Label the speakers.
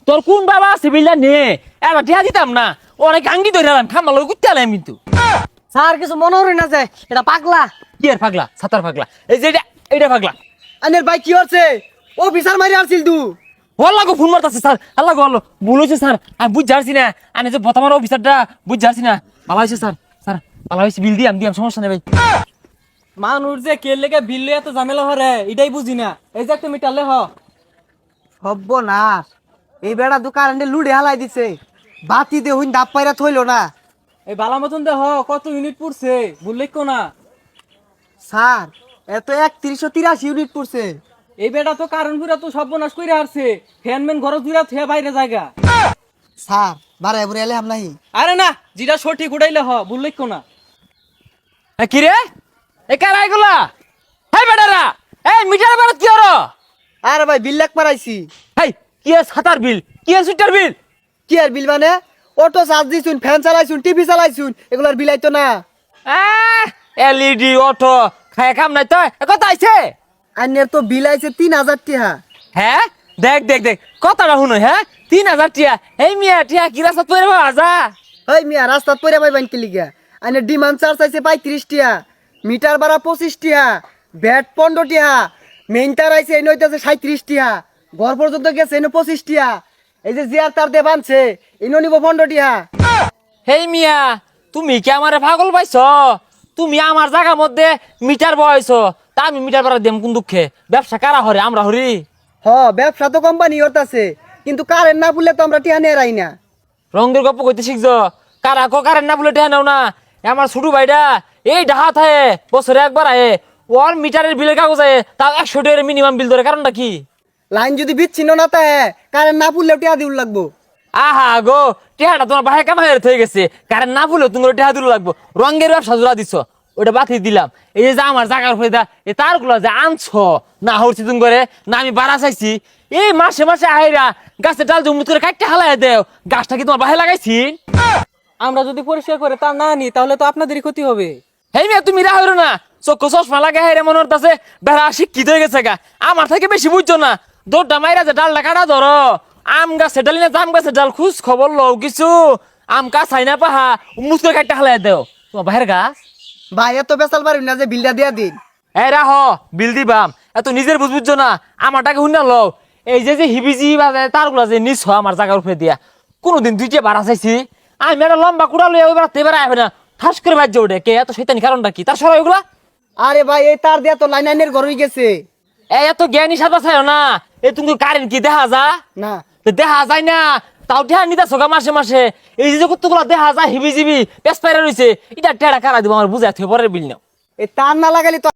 Speaker 1: তোর কোন বাবা আছে বিলটা নে এবার টিয়া দিতাম না অনেক আঙ্গি ধরে এলাম খাম্বা লোক করতে এলাম কিন্তু
Speaker 2: স্যার কিছু মনে হরি না যে এটা পাগলা।
Speaker 1: কি আর পাগলা সাতার পাগলা এই যে এটা পাগলা
Speaker 2: আনের ভাই কি হচ্ছে অফিসার মারি আসছিল তু
Speaker 1: আল্লাহ গো ফোন মারতাছে স্যার আল্লাহ গো আল্লাহ ভুল হয়েছে স্যার আমি বুঝ যাচ্ছি না আমি যে বর্তমান অফিসারটা বুঝ যাচ্ছি না ভালো হয়েছে স্যার স্যার ভালো হয়েছে বিল দিয়াম সমস্যা নেই ভাই
Speaker 3: মানুষ যে কে লেগে বিল লইয়া এত ঝামেলা হরে এটাই বুঝি না। এই যে একটা মিটারলে হ
Speaker 2: হব্ব না এই বেড়া দু কারেন্টে লুড়ে হালাই দিছে বাতি দে হইন দাপ পাইরা থইলো না।
Speaker 3: এই বালা মতন দে হ কত ইউনিট পড়ছে বললে কো না।
Speaker 2: স্যার এত 3183 ইউনিট পড়ছে।
Speaker 3: এই বেটা তো কারণ পুরা তো সর্বনাশ কইরা হারছে ফ্যানম্যান ঘর জুড়া থুয়া বাইরে জায়গা।
Speaker 2: স্যার বারে বুড়ে এলে হাম নাহি।
Speaker 3: আরে না যেটা সঠিক উড়াইলে হ বললে কো না।
Speaker 1: কি রে এ কারা এগুলা হাই বেটারা এই মিটার বেড়া কি হলো
Speaker 2: আরে ভাই বিল লাখ মারাইছি।
Speaker 1: হাই কি আর সাতার বিল কি আর সুইটার বিল
Speaker 2: কি আর বিল মানে অটো চার্জ দিছুন ফ্যান চালাইছুন টিভি চালাইছুন এগুলার বিল আইতো না।
Speaker 1: এলইডি অটো খায় কাম নাই তো কত আইছে
Speaker 2: আইনের তো বিল আইছে 3000 টাকা।
Speaker 1: হ্যাঁ দেখ দেখ দেখ কথাটা শুনো হ্যাঁ 3000 টিয়া এই মিয়া টিয়া কি রাস্তা তৈরি হওয়া যা
Speaker 2: ওই মিয়া রাস্তাত পইরা পাইবেন কি লিগা আইনের ডিমান্ড চার্জ আইছে 35 টাকা মিটার ভাড়া 25 টাকা ব্যাট 15 টাকা মেইন তার আইছে এই নইতাছে 37 টাকা ঘর পর্যন্ত গেছে এনে 25 টাকা এই যে জিয়ার তার দে বানছে ইনো নিব 15 টাকা।
Speaker 1: হেই মিয়া তুমি কি আমারে পাগল পাইছ তুমি আমার জায়গার মধ্যে মিটার বয়ছো তা আমি মিটার ভাড়া দেম কোন দুঃখে ব্যবসা কারা হরে আমরা হরি
Speaker 2: হ ব্যবসা তো কোম্পানি করতেছে কিন্তু কারেন্ট না বললে তো আমরা টিয়া নিয়ে রাই না।
Speaker 1: রঙের গপ্প কইতে শিখছো কারা কো কারেন না বলে টেহা নাও না আমার ছোট ভাইটা এই ডাহা থাকে বছরে একবার আয়ে ওর মিটারের বিলের কাগজ আয়ে তাও 100 টাকার মিনিমাম বিল ধরে কারণটা কি
Speaker 2: লাইন যদি বিচ্ছিন্ন না তাহে কারেন্ট না পড়লেও টিয়া দিউল লাগবো।
Speaker 1: আহা গো টেহাটা তোমার বাহে কামাই হয়ে গেছে কারণ না বললেও তুমি টেহা দিল লাগবো রঙের ব্যবসা জোড়া দিছ ওটা বাতি দিলাম এই যে আমার জায়গার উপরে এই তারগুলো যে আনছো না হরছি তুমি করে না আমি বাড়া চাইছি এই মাসে মাসে আইরা গাছের ডাল জমুত করে কাটতে হালাই দেও গাছটা কি তোমার বাহে লাগাইছি
Speaker 3: আমরা যদি পরিষ্কার করে তা না নি তাহলে তো আপনাদেরই ক্ষতি হবে।
Speaker 1: হেই মিয়া তুমি রাহরো না চক্ষু চশমা লাগা হেরে মনে হচ্ছে বেড়া শিক্ষিত হয়ে গেছে গা আমার থেকে বেশি বুঝছো না দৌড়টা মাইরা যে ডালটা কাটা ধরো আম গাছের ডাল না জাম গাছের ডাল খুশ খবর লও কিছু আম কাছাই না পাহা মুস করে কাটতে হালাই দেও তোমার বাহের গাছ
Speaker 2: ভাই এত বেসাল পারিম না যে বিলটা দিয়া দিন।
Speaker 1: এই রাহ বিল দিবাম এত নিজের বুঝছো না আমার টাকা শুনে লও এই যে হিবিজি বাজে তারগুলা যে নিছ আমার জায়গার উপরে দিয়া কোনোদিন দুইটা ভাড়া চাইছি আমি একটা লম্বা কুড়া লইয়া ওই বেড়াতে এবার আইবে না ঠাস করে বাজ্য ওঠে কে এত শৈতানি কারণটা কি তার সবাই ওগুলা
Speaker 2: আরে ভাই এই তার দিয়া তো লাইন আইনের ঘর হয়ে গেছে।
Speaker 1: এই এত জ্ঞানী সাদা চাইও না এই তুমি কারেন্ট কি দেখা যা
Speaker 2: না
Speaker 1: তো দেখা যায় না তাও ঠেয়া নিতে সোগা মাসে মাসে এই যে কতগুলা দেখা যায় হিবি জিবি পেস পাইরা রয়েছে এটা টেড়া কারা দিব আমার বুঝাই থেকে পরের বিল নাও
Speaker 2: এই তার না লাগালে তো